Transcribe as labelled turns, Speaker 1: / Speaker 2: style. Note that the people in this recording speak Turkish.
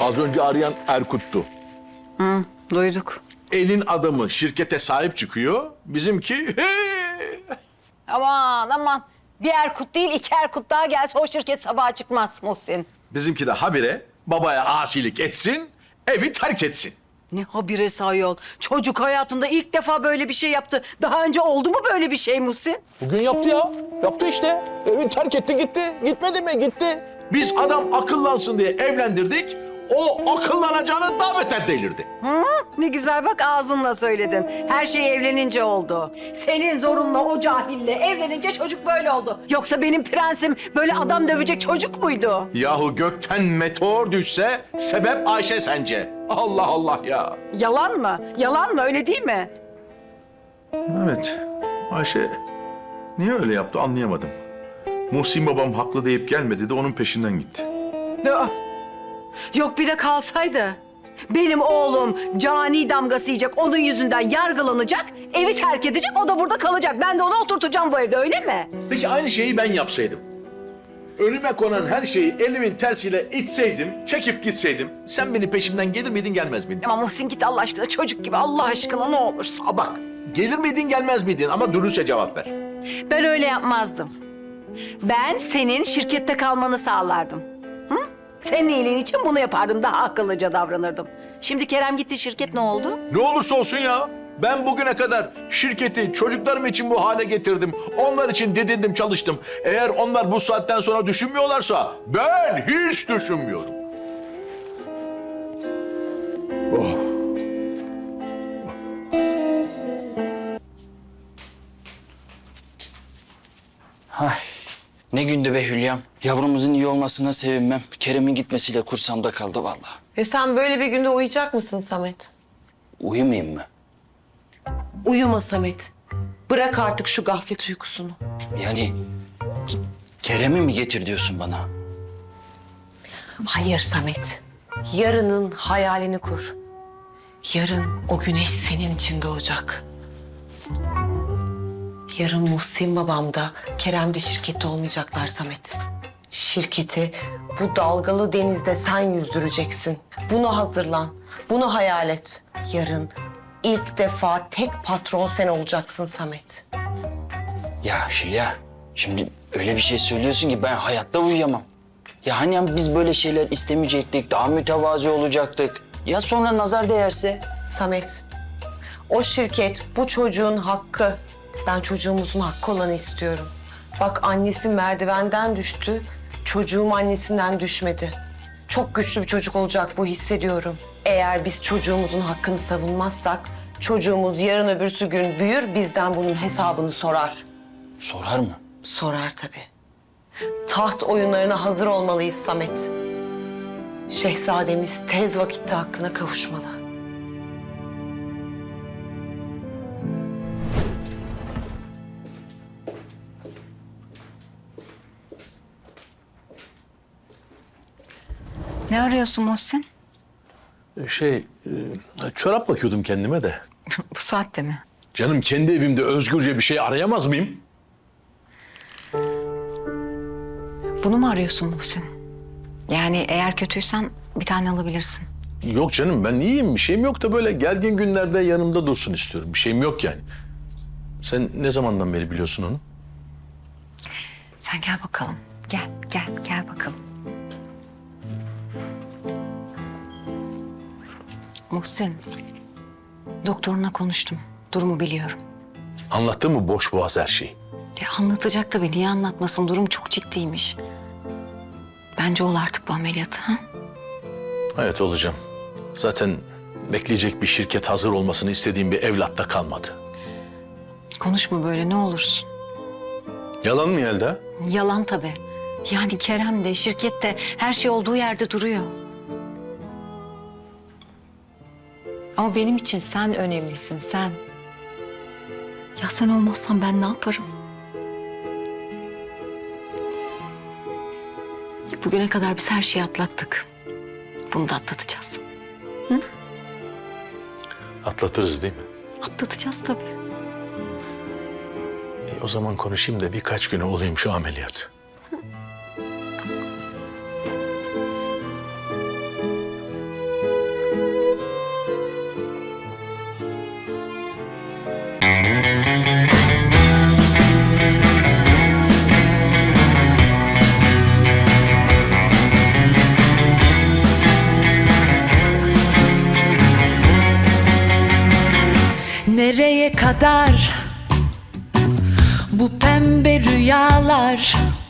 Speaker 1: Az önce arayan Erkut'tu.
Speaker 2: Duyduk.
Speaker 1: Elin adamı şirkete sahip çıkıyor. Bizimki
Speaker 2: Aman aman. Bir Erkut değil 2 Erkut daha gelse o şirket sabaha çıkmaz Muhsin.
Speaker 1: bizimki de habire babaya asilik etsin, evi terk etsin.
Speaker 2: Ne habire ayol. Çocuk hayatında ilk defa böyle bir şey yaptı. Daha önce oldu mu böyle bir şey Muhsin?
Speaker 1: Bugün yaptı ya. Yaptı işte. Evi terk etti gitti. Gitmedi mi? Gitti. Biz adam akıllansın diye evlendirdik. O akıllanacağını daha beter delirdi.
Speaker 2: Ne güzel bak ağzınla söyledin. Her şey evlenince oldu. Senin zorunla o cahille evlenince çocuk böyle oldu. Yoksa benim prensim böyle adam dövecek çocuk muydu?
Speaker 1: Yahu gökten meteor düşse sebep Ayşe sence. Allah Allah ya.
Speaker 2: Yalan mı? Yalan mı? Öyle değil mi?
Speaker 1: Evet. Ayşe niye öyle yaptı anlayamadım. Muhsin babam haklı deyip gelmedi de onun peşinden gitti.
Speaker 2: Aa, yok bir de kalsaydı. Benim oğlum cani damgası yiyecek, onun yüzünden yargılanacak, evi terk edecek, o da burada kalacak. Ben de onu oturtacağım bu evde, öyle mi?
Speaker 1: Peki aynı şeyi ben yapsaydım. Önüme konan her şeyi elimin tersiyle itseydim, çekip gitseydim... sen beni peşimden gelir miydin, gelmez miydin?
Speaker 2: Ama Muhsin git Allah aşkına, çocuk gibi Allah aşkına ne olursun.
Speaker 1: Aa, bak, gelir miydin, gelmez miydin? Ama dürüstçe cevap ver.
Speaker 2: Ben öyle yapmazdım. Ben senin şirkette kalmanı sağlardım. Hı? Senin iyiliğin için bunu yapardım, daha akıllıca davranırdım. Şimdi Kerem gitti, şirket ne oldu?
Speaker 1: Ne olursa olsun ya. Ben bugüne kadar şirketi çocuklarım için bu hale getirdim. Onlar için didindim, çalıştım. Eğer onlar bu saatten sonra düşünmüyorlarsa ben hiç düşünmüyorum. Oh.
Speaker 3: Ay, ne gündü be Hülya'm. Yavrumuzun iyi olmasına sevinmem. Kerem'in gitmesiyle kursamda kaldı vallahi.
Speaker 4: Ve sen böyle bir günde uyuyacak mısın Samet?
Speaker 3: Uyumayayım mı?
Speaker 4: Uyuma Samet. Bırak artık şu gaflet uykusunu.
Speaker 3: Yani Kerem'i mi getir diyorsun bana?
Speaker 4: Hayır Samet. Yarının hayalini kur. Yarın o güneş senin için doğacak. Yarın Muhsin babam da Kerem de şirkette olmayacaklar Samet. Şirketi bu dalgalı denizde sen yüzdüreceksin. Buna hazırlan. Bunu hayal et. Yarın ilk defa tek patron sen olacaksın Samet.
Speaker 3: Ya Hülya, şimdi öyle bir şey söylüyorsun ki ben hayatta uyuyamam. Ya hani biz böyle şeyler istemeyecektik, daha mütevazi olacaktık. Ya sonra nazar değerse?
Speaker 4: Samet, o şirket bu çocuğun hakkı. Ben çocuğumuzun hakkı olanı istiyorum. Bak annesi merdivenden düştü, çocuğum annesinden düşmedi. Çok güçlü bir çocuk olacak bu, hissediyorum. Eğer biz çocuğumuzun hakkını savunmazsak, çocuğumuz yarın öbürsü gün büyür, bizden bunun hesabını sorar.
Speaker 3: Sorar mı?
Speaker 4: Sorar tabii. Taht oyunlarına hazır olmalıyız Samet. Şehzademiz tez vakitte hakkına kavuşmalı.
Speaker 2: Ne arıyorsun Muhsin?
Speaker 1: Çorap bakıyordum kendime de.
Speaker 2: Bu saatte mi?
Speaker 1: Canım kendi evimde özgürce bir şey arayamaz mıyım?
Speaker 2: Bunu mu arıyorsun Muhsin? Yani eğer kötüysen bir tane alabilirsin.
Speaker 1: Yok canım ben iyiyim, bir şeyim yok da böyle gergin günlerde yanımda dursun istiyorum. Bir şeyim yok yani. Sen ne zamandan beri biliyorsun onu?
Speaker 2: Sen gel bakalım. Gel bakalım. Muhsin, doktoruna konuştum. Durumu biliyorum.
Speaker 1: Anlattı mı boş boğaz her şeyi?
Speaker 2: Ya anlatacak tabii. Niye anlatmasın? Durum çok ciddiymiş. Bence ol artık bu ameliyatı. Ha?
Speaker 1: Evet olacağım. Zaten bekleyecek bir şirket hazır olmasını istediğim bir evlat da kalmadı.
Speaker 2: Konuşma böyle ne olursun.
Speaker 1: Yalan mı Yelda?
Speaker 2: Yalan tabii. Yani Kerem de, şirket de her şey olduğu yerde duruyor. Ama benim için sen önemlisin, sen. Ya sen olmazsan ben ne yaparım? Bugüne kadar biz her şeyi atlattık. Bunu da atlatacağız.
Speaker 1: Atlatırız değil mi?
Speaker 2: Atlatacağız tabii.
Speaker 1: O zaman konuşayım da birkaç güne olayım şu ameliyat.
Speaker 5: Nereye kadar bu pembe rüyalar?